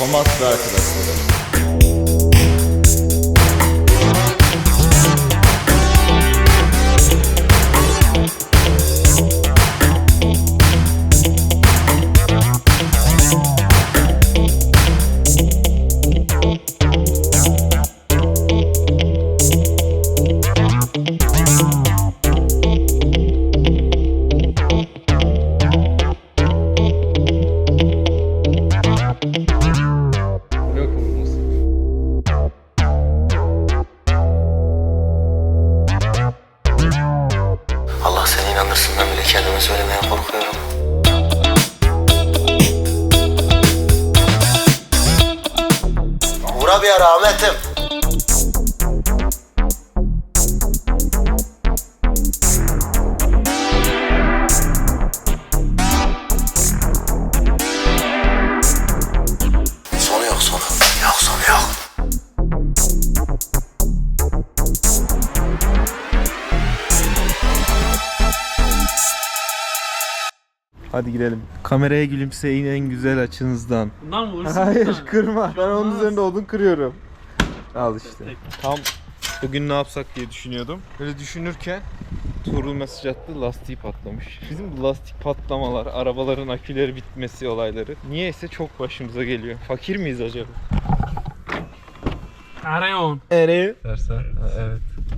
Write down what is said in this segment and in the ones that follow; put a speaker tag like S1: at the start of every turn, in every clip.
S1: Thomas ve arkadaşları.
S2: Allah seni inandırsın, ben bile kendime söylemeye korkuyorum. Uğra bir ara Ahmet'im. Sonu yok, sonu. Yok, sonu yok.
S1: Hadi gidelim. Kameraya gülümseyin en güzel açınızdan.
S3: Bundan mı vurursun?
S1: Hayır kırma. Ben onun
S3: Olmaz.
S1: üzerinde odun kırıyorum. Al işte. Tam bugün ne yapsak diye düşünüyordum. Böyle düşünürken Tuğrul mesaj attı, lastiği patlamış. Bizim bu lastik patlamalar, arabaların aküleri bitmesi olayları niyeyse çok başımıza geliyor. Fakir miyiz acaba?
S3: Arayon.
S1: Nereye? Dersen. Evet.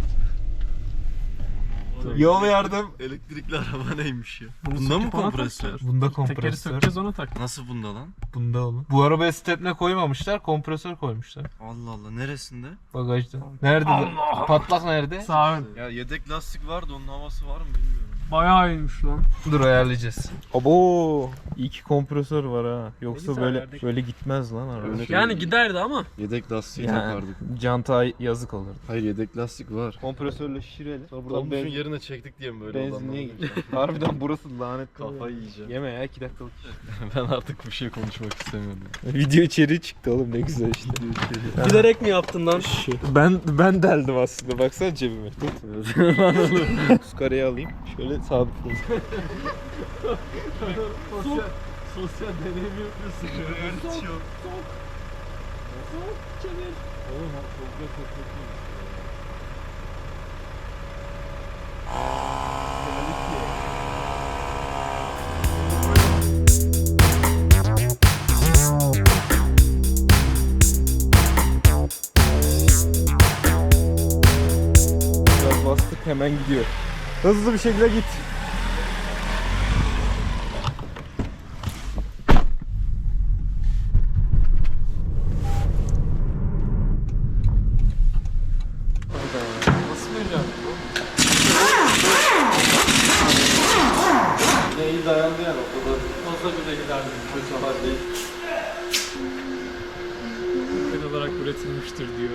S1: Yol yardım.
S4: Elektrikli araba neymiş ya?
S3: Bunu
S4: Bunda mı
S3: söküp ona
S4: kompresör?
S3: tak.
S1: Bunda
S3: Tekeri
S1: kompresör.
S3: sökeceğiz ona tak.
S4: Nasıl bunda lan?
S1: Bunda oğlum. Bu arabaya stepne koymamışlar, kompresör koymuşlar.
S4: Allah Allah, neresinde?
S1: Bagajda. Nerede?
S3: Allah!
S1: Patlak nerede?
S3: Sağ ön.
S4: Ya yedek lastik vardı, onun havası var mı bilmiyorum.
S3: Bayağı iyiymiş lan.
S1: Dur ayarlayacağız. Abo! İyi ki kompresör var ha. Yoksa
S3: Neyse,
S1: böyle
S3: ayarladık.
S1: böyle gitmez lan araba.
S4: Öyle-
S3: Yani giderdi ama.
S4: Yedek lastiği
S1: Yani
S4: takardık.
S1: canta yazık olurdu.
S4: Hayır, yedek lastik var.
S1: Kompresörle şişirelim. Sonra buradan
S4: Dolmuşun yerine çektik diye mi böyle
S1: benzinliğe
S4: olanlar?
S1: gideceğim. Harbiden burası lanet.
S4: Kafayı yiyeceğim.
S1: Yeme ya 2 dakikalık.
S4: Ben artık bir şey konuşmak istemiyorum.
S1: Video içeriği çıktı oğlum ne güzel işte.
S3: Bilerek mi yaptın lan?
S1: Ben deldim aslında. Baksana cebime. Tut. Skareyi alayım. Şöyle sabitleyin.
S4: Sosyal deneyim yapıyorsun. Evet yok. Oğlum çok
S1: Biraz bastık hemen gidiyor. Hızlı bir şekilde git.
S3: Nasıl vereceğim?
S4: iyi dayandı yani o kadar.
S3: Fazla bile giderdi.
S4: Kötü değil.
S3: Ülke olarak üretilmiştir diyor.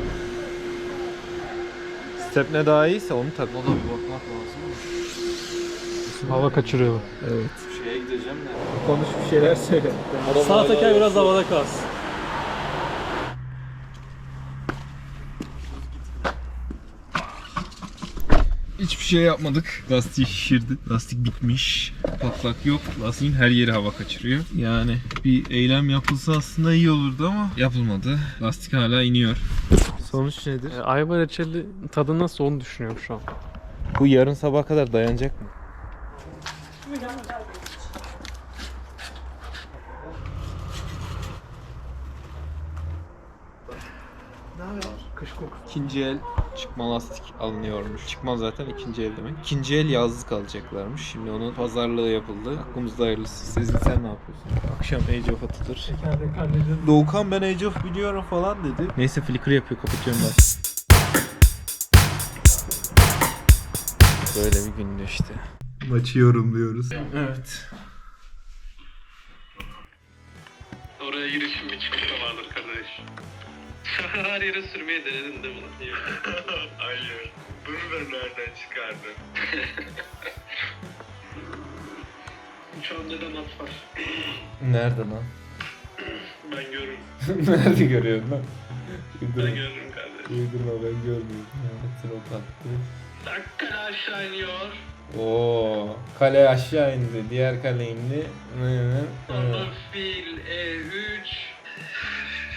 S1: Stepne daha iyiyse onu tak.
S4: Ona bir bakmak lazım mı?
S3: Hava kaçırıyor.
S1: Evet.
S4: Şeye gideceğim de.
S1: Konuş bir şeyler söyle.
S3: Sağ teker biraz havada kalsın.
S1: Hiçbir şey yapmadık. Lastiği şişirdi. Lastik bitmiş. Patlak yok. Lastiğin her yeri hava kaçırıyor. Yani bir eylem yapılsa aslında iyi olurdu ama yapılmadı. Lastik hala iniyor. Sonuç nedir?
S3: Ayva reçeli tadı nasıl onu düşünüyorum şu an.
S1: Bu yarın sabaha kadar dayanacak mı?
S3: Kış kokusu.
S1: İkinci el çıkma lastik alınıyormuş. Çıkma zaten ikinci el demek. İkinci el yazlık alacaklarmış. Şimdi onun pazarlığı yapıldı. Hakkımızda hayırlısı. Sezgin sen ne yapıyorsun? Akşam Age of atılır.
S3: Tekerlek halledin.
S1: Doğukan ben Age of biliyorum falan dedi. Neyse flicker yapıyor, kapatıyorum ben. Böyle bir gündü işte. Maçı yorumluyoruz.
S3: Evet.
S5: Oraya girişim bir çıkışta vardır kardeş. Her yere sürmeyi denedin değil mi lan? Hayır. Bunu da nereden çıkardın? Uçağın neden at var?
S1: Nerede lan?
S5: Ben görürüm.
S1: Nerede görüyorsun lan?
S5: Ben görürüm kardeş.
S1: Uydurma ben görmüyorum. Mehmet'in o tattı.
S5: Dakika aşağı iniyor.
S1: Oo, kale aşağı indi. Diğer kale indi.
S5: Sonra fil E3.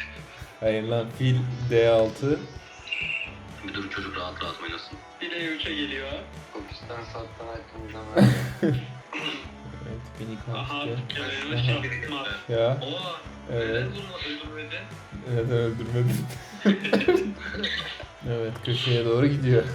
S1: Hayır lan fil D6.
S2: Bir dur çocuk rahat rahat oynasın.
S5: Bile 3'e geliyor.
S2: Pakistan sattan hakkımızda var.
S1: Evet beni
S5: Aha,
S1: kaçtı.
S5: yanılmış yapma.
S1: Ya
S5: Oha,
S1: evet.
S5: neden bunu öldürmedi?
S1: Neden öldürmedin? Evet köşeye doğru gidiyor.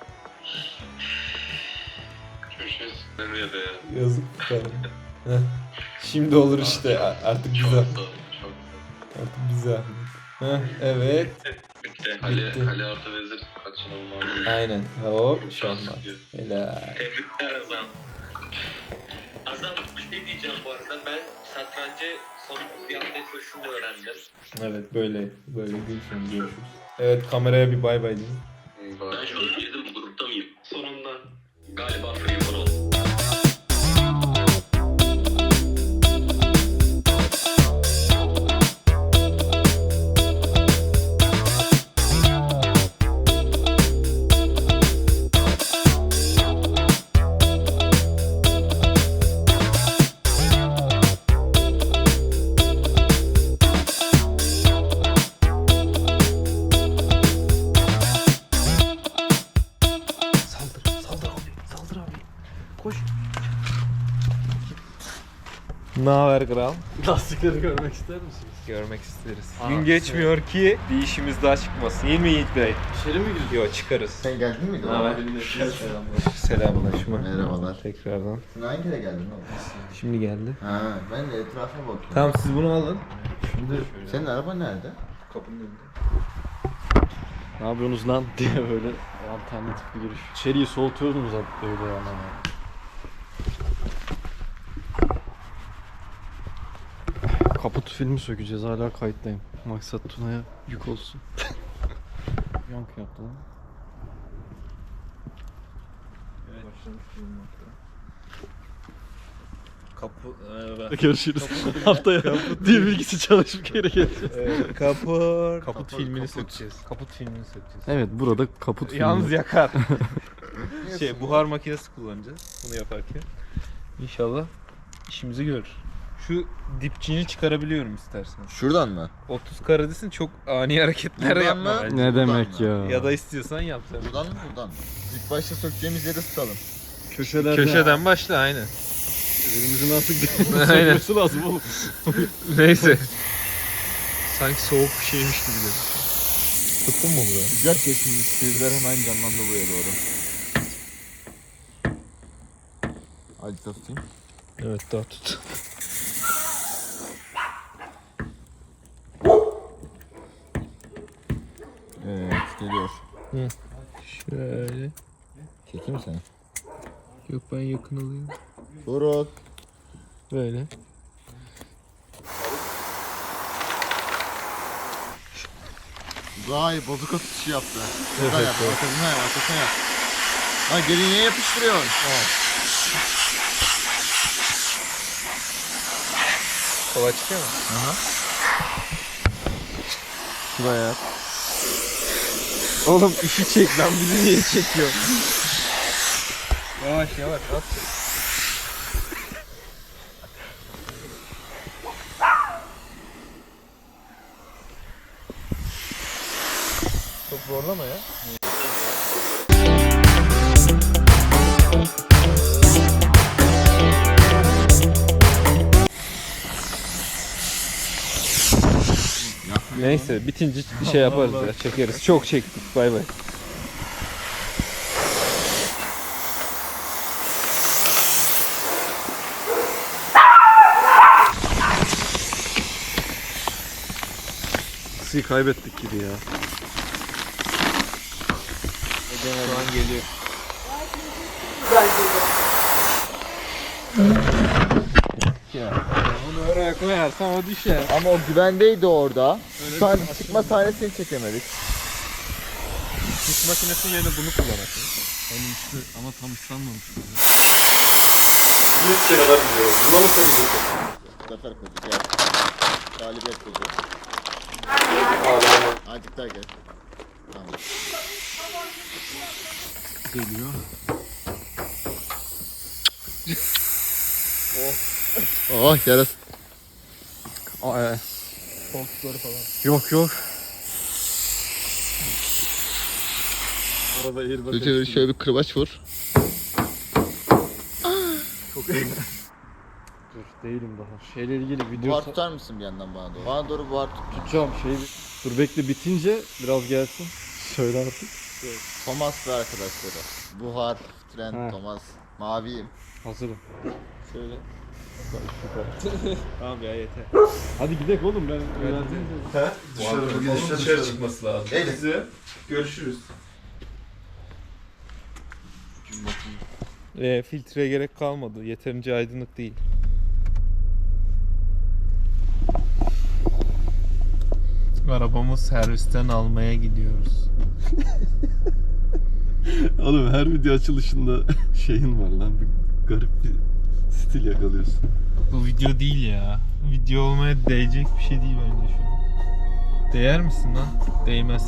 S5: Köşesi. Nereye de ya?
S1: Yazık bir tane. Heh. Şimdi olur işte artık
S5: Çok
S1: güzel.
S5: sağ ol, çok sağ ol.
S1: Artık güzel. Heh, evet.
S5: Bitti.
S1: Bitti.
S5: Kale artı vezir kaçınılmaz.
S1: Aynen. Hop şahmat. Helal.
S5: Tebrikler Azam. Azam bir şey diyeceğim bu arada. Ben satrancı son bir hafta koşumu öğrendim.
S1: Evet böyle gün sonu görüşürüz. Evet kameraya bir bay bay deyin.
S2: Ben şu an girdim grupta mıyım?
S5: Sonunda.
S2: Galiba free for all.
S1: Ne haber kral?
S3: Lastikleri görmek ister misiniz?
S1: Görmek isteriz. Gün geçmiyor ki bir işimiz daha çıkmasın. Değil mi Yiğit Bey?
S3: İçeri mi girdin?
S1: Yok çıkarız.
S6: Sen geldin miydi?
S1: Selamlaşma.
S6: Merhabalar.
S1: Tekrardan.
S6: Sen hangi kere geldin oğlum?
S1: Şimdi geldi.
S6: Ha, ben de etrafa bakıyorum.
S1: Tamam siz bunu alın.
S6: Senin araba nerede?
S1: Kapının önünde.
S3: Ne yapıyorsunuz lan diye böyle alternatif bir giriş. İçeriği soğutuyordunuz abi böyle yani. Kaput filmi sökeceğiz, hala kayıttayım. Maksat Tuna'ya yük olsun. Yankı yaptı lan.
S1: Kapı...
S3: Görüşürüz. Haftaya dil bilgisi çalışıp geri geleceğiz.
S1: Kaput filmini sökeceğiz. Kaput filmini sökeceğiz.
S3: Evet, burada kaput filmi.
S1: Yalnız yakar. Buhar makinesi kullanacağız bunu yaparken. İnşallah işimizi görür. Şu dipçiğini çıkarabiliyorum istersen.
S6: Şuradan mı?
S1: 30 karadesin çok ani hareketler
S6: Buradan
S1: yapma
S6: mı?
S1: bence.
S3: Ne demek
S6: Buradan
S3: ya?
S1: Ya da istiyorsan yap sen.
S6: Buradan mı buradan mı? İlk başta sökeceğimiz yeri tutalım.
S3: Köşelerden.
S1: başla aynen.
S3: Elimizin artık
S1: Aynen.
S3: sökmesi lazım oğlum.
S1: Neyse. Sanki soğuk bir şeymiş gibi gözüküyor. Tuttun mu buraya?
S6: Sıcak kesilmiş. Sizler hemen canlandı buraya doğru. Hadi tutayım.
S1: Evet daha tut.
S6: Evet geliyor.
S1: Şöyle.
S6: Çekeyim seni.
S1: Yok ben yakın alayım.
S6: Doruk.
S1: Böyle.
S6: Vay bozuk atışı yaptı. Şuradan yap. Arkasına yap. Arkasına yap. Ha geri niye yapıştırıyorsun?
S1: Kolay çıkıyor mu?
S6: Şuraya yap.
S1: Oğlum işi çek lan bizi niye çekiyor? Yavaş yavaş at. Çok zorlama ya. Neyse bitince bir şey yaparız ya çekeriz. Çok çektik bay bay.
S3: Sizi kaybettik gibi ya.
S1: Şu an geliyor. Onu oraya koyarsan o düşer.
S6: Ama o güvendeydi orada. Çıkma sahnesini çekemedik.
S1: Kuş makinesinin yerine bunu kullanırsın.
S3: Ama tam ıslanmamış.
S6: Zafer kodu gel. Galibiyet kodu. Azıcık daha gel. Tamam.
S3: Geliyor.
S6: Oh yarası.
S3: Aa,
S1: Koltukları falan.
S3: yok yok.
S4: Arada airbag
S6: Şöyle bir kırbaç vur.
S3: Çok iyi. Dur değilim daha. Şeyle ilgili video
S6: Buhar tutar mısın bir yandan bana doğru? Bana doğru buhar tut.
S3: tutacağım. Dur bekle bitince biraz gelsin. Söyle artık.
S6: Thomas ve arkadaşları. Buhar, tren,
S3: Ha.
S6: Thomas. Maviyim.
S3: Hazırım.
S1: Şöyle. Tamam ya yeter.
S3: Hadi gidelim oğlum ben öğrendim.
S1: Dışarı çıkması lazım.
S6: Eyle.
S1: Size görüşürüz. Filtreye gerek kalmadı. Yeterince aydınlık değil. Arabamı servisten almaya gidiyoruz.
S3: Oğlum her video açılışında şeyin var lan. Bir garip bir stil yakalıyorsun.
S1: Bu video değil ya. Video olmaya değecek bir şey değil bence şu an. Değer misin lan? Değmez.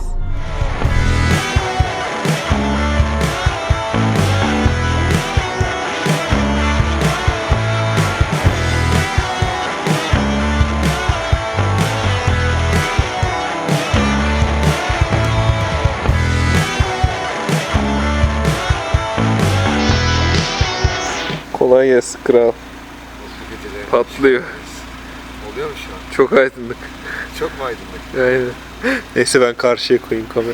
S1: Kolay gelsin kral. Patlıyor.
S6: Oluyor mu şu an?
S1: Çok aydınlık.
S6: Çok mu aydınlık?
S1: Aynen. Neyse ben karşıya koyayım kamerayı.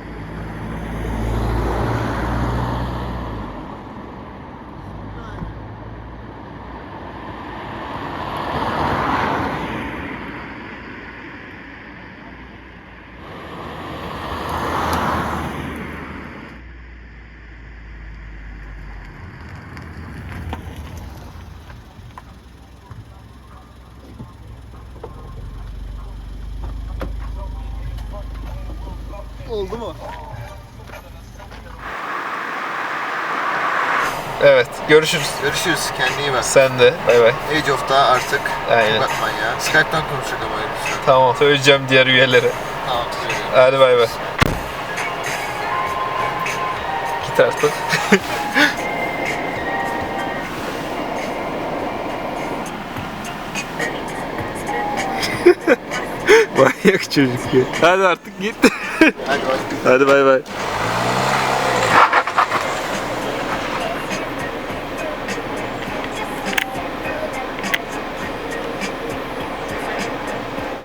S6: Oldu mu?
S1: Evet, görüşürüz.
S6: Görüşürüz. Kendine iyi bak.
S1: Sen de. Bay bay.
S6: Age of'ta artık.
S1: Aynen.
S6: Bakman ya. Skype'tan konuşacak ama lütfen.
S1: Tamam, söyleyeceğim diğer üyelere.
S6: Tamam. Söyleyeyim.
S1: Hadi bay bay. Git artık. Manyak çocuk ya. Hadi artık git.
S6: Hadi bay.
S1: Hadi bay bay.